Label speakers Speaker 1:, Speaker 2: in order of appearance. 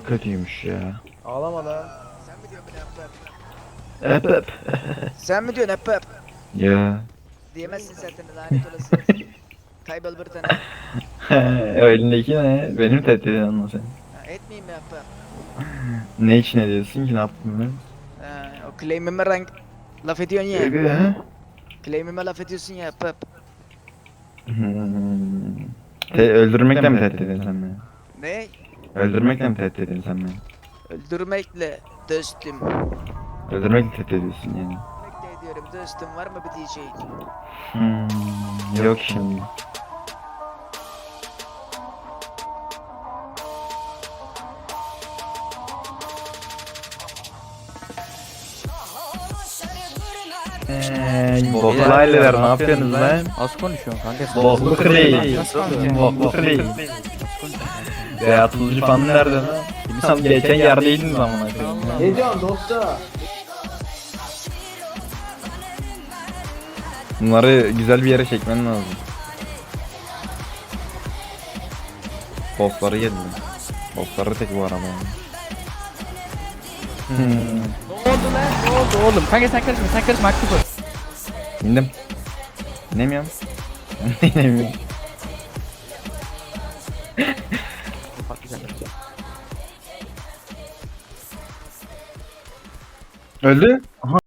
Speaker 1: kötüymüş ya.
Speaker 2: Ağlama lan.
Speaker 3: Sen mi diyorsun beni hep hep?
Speaker 1: Hep hep.
Speaker 3: Sen mi diyorsun hep hep?
Speaker 1: Ya.
Speaker 3: Diyemezsin zaten lanet olası. Kaybol bir tane.
Speaker 1: O elindeki ne? Benim tehdidin anla sen.
Speaker 3: Ha, etmeyeyim mi hep hep?
Speaker 1: Ne için ediyorsun ki, ne yaptım ben?
Speaker 3: Ha, o claim'ime rank laf ediyorsun ya.
Speaker 1: Hı?
Speaker 3: Claim'ime laf ediyorsun ya hep hep.
Speaker 1: Hmm. Öldürmekle mi tehdit ediyorsun sen beni?
Speaker 3: Ne?
Speaker 1: Öldürmekle mi tehdit ediyorsun sen beni?
Speaker 3: Öldürmekle dostum.
Speaker 1: Öldürmekle tehdit ediyorsun yani.
Speaker 3: Öldürmekle ediyorum dostum, var mı bir diyeceğin?
Speaker 1: Yok şimdi. Boklu aileler ne yapıyorsunuz lan?
Speaker 4: Az konuşuyorsun kanka.
Speaker 1: Boklu Clay.
Speaker 4: Nasıl konuşuyorsun?
Speaker 1: Boklu Clay. Veya Tuzcu falan nerede lan? Bilsem geçen yerdeydiniz amına koyayım.
Speaker 2: Ne diyorsun dostum?
Speaker 1: Bunları güzel bir yere çekmen lazım. Bossları geldi. Bossları tek bu araba.
Speaker 4: Ne oldu lan? Ne oldu oğlum? Kanka sen karışma aktif ol.
Speaker 1: İndim. İnemiyorum. İnemiyorum.
Speaker 4: Patlayacak.
Speaker 1: Öldü. Aha